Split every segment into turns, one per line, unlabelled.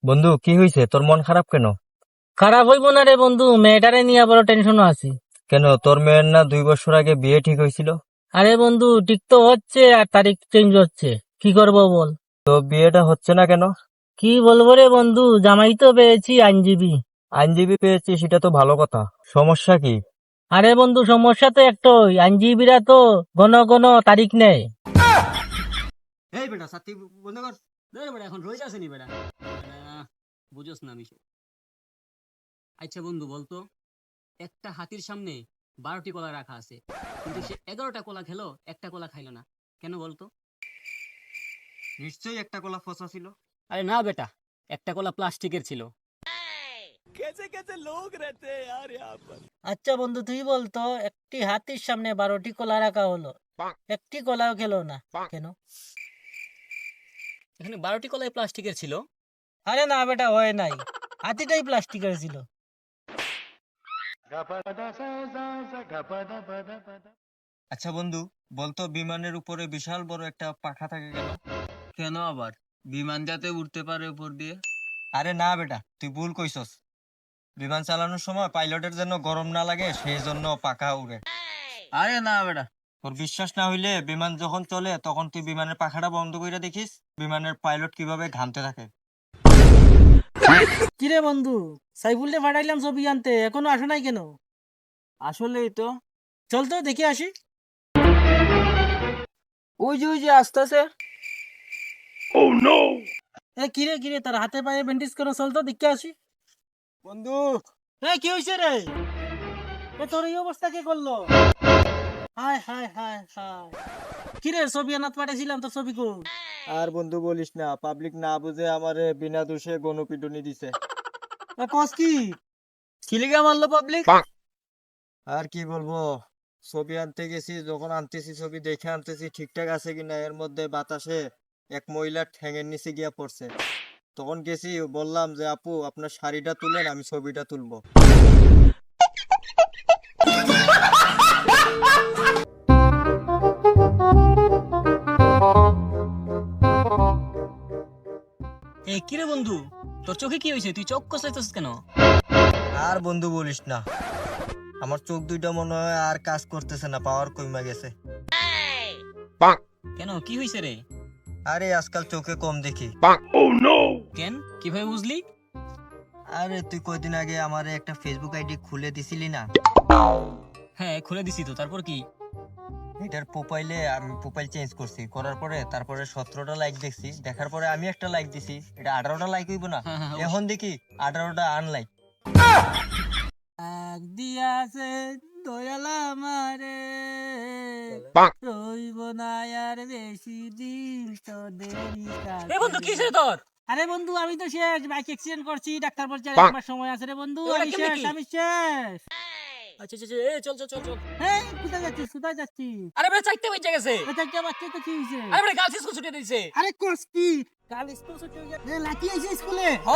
বন্ধু, কি হয়েছে? তোর মন খারাপ কেন?
খারাপ হইব না রে বন্ধু, মেয়েটারে নিয়ে বড় টেনশনও আছি।
কেন, তোর মেয়ের না 2 বছর আগে বিয়ে ঠিক হয়েছিল?
আরে বন্ধু, ঠিক তো হচ্ছে আর তারিখ চেঞ্জ হচ্ছে, কি করব বল।
তো বিয়েটা হচ্ছে না কেন?
কি বলবো রে বন্ধু, জামাই তো পেয়েছি আইনজীবী।
আইনজীবী পেয়েছি, সেটা তো ভালো কথা। সমস্যা কি?
আরে বন্ধু, সমস্যা তো একটাই, আইনজীবীরা তো ঘন ঘন তারিখ নেয়।
এই বেটা সাথী বন্ধ কর। ধর বেটা, এখন রোজ আসেনি বেটা। বেটা, বুঝোস না বিষয়। আচ্ছা বন্ধু বলতো, একটা হাতির সামনে 12টি কলা রাখা আছে, কিন্তু সে 11টা কলা খেলো, একটা কলা খাইলো না, কেন বলতো?
নিশ্চয়ই একটা কলা ফসা ছিল।
আরে না বেটা, একটা কলা প্লাস্টিকের ছিল।
আচ্ছা বন্ধু, তুই বলতো, একটি হাতির সামনে 12টি কলা রাখা হলো, একটি কলাও খেলো না, কেন?
এখানে 12টি কলাই প্লাস্টিকের ছিল।
আরে না বেটা, হয় নাই, হাতিটাই প্লাস্টিকের ছিল।
আচ্ছা বন্ধু, বলতো বিমানের উপরে বিশাল বড় একটা পাখা থাকে কেন?
কেন আবার? বিমান যাতে উঠতে পারে উপর দিয়ে।
আরে না বেটা, তুই ভুল কইছস। বিমান চালানোর সময় পাইলটের জন্য গরম না লাগে, সেই জন্য পাখা উড়ে।
আরে না বেটা।
তোর বিশ্বাস না হইলে বিমান যখন চলে তখন তুই বিমানের পাখাটা বন্ধ করে দেখিস, বিমানের পাইলট কিভাবে ঘামতে থাকে।
কিরে বন্ধু, সাইফুলকে পাঠাইলাম ছবি আনতে, এখনো আসো নাই কেন?
আসলেই তো।
চল তো দেখে আসি।
ওই যে আসতেছে।
কিরে কিরে, তার হাতে পায়ে ব্যান্ডেজ করো, চল তো দেখে আসি।
বন্ধু,
কি হয়েছে রে? তোর এই অবস্থা কে করলো? হায় হায় হায় হায়। কিরে, ছবি আনাত পাঠাইছিলাম, তো ছবি কো?
আর বন্ধু বলিস না, পাবলিক না বুঝে আমারে বিনা দোষে গণপিটুনি দিছে।
কস কি?
খিলিগা মারলো পাবলিক।
আর কি বলবো, ছবি আনতে গেছি, যখন আনতেছি ছবি দেখে আনতেছি ঠিকঠাক আছে কিনা, এর মধ্যে বাতাসে এক মহিলার ঠ্যাঙের নিচে গিয়া পড়ছে। তখন গেছি, বললাম যে আপু আপনার শাড়িটা তুলেন, আমি ছবিটা তুলবো।
কিরে বন্ধু, তোর চোখে কি হয়েছে? তুই চোখ কষাইতেছিস কেন?
আর বন্ধু বলিস না, আমার চোখ দুইটা মনে হয় আর কাজ করতেছে না, পাওয়ার কমে গেছে।
কেন, কি হয়েছে রে?
আরে আজকাল চোখে কম দেখি।
কেন, কিভাবে বুঝলি?
আরে তুই কয়দিন আগে আমারে একটা ফেসবুক আইডি খুলে দিছিলি না?
হ্যাঁ, খুলে দিছি তো, তারপর কি?
এটার প্রোফাইলে আমি প্রোফাইল চেঞ্জ করছি, করার পরে তারপরে 17টা লাইক দেখছি, দেখার পরে আমি একটা লাইক দিছি, এটা 18টা লাইক হইব না?
হ্যাঁ, হ্যাঁ,
এখন দেখি 18টা আনলাইক।
আগ দিয়াছে দয়ালা আমারে, রইব না আর বেশি দিন তোদেরই কাছে।
বন্ধু, কি হয়েছে তোর?
আরে বন্ধু, আমি তো শেষ, বাইক অ্যাক্সিডেন্ট করছি, ডাক্তার বলছে আর 1 মাস সময় আছে রে বন্ধু,
ওটা
আমি
কেমনে
শেষ,
কি?
আমি শেষ।
আচ্ছা আচ্ছা, চল চল চল চল।
হ্যাঁ, কোথায় যাচ্ছিস, কোথায় যাচ্ছিস?
আরে বেটা, চাইতে বেঁচে গেছে।
এটা কি আমার তো কি হয়েছে?
আরে বেটা, গার্লস স্কুল ছুটি দিয়েছে।
আরে কোর্স কি? কাল স্কুল ছুটি হয়ে গেছে, লাকি আইছে স্কুলে।
ও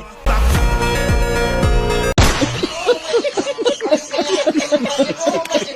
আইছে।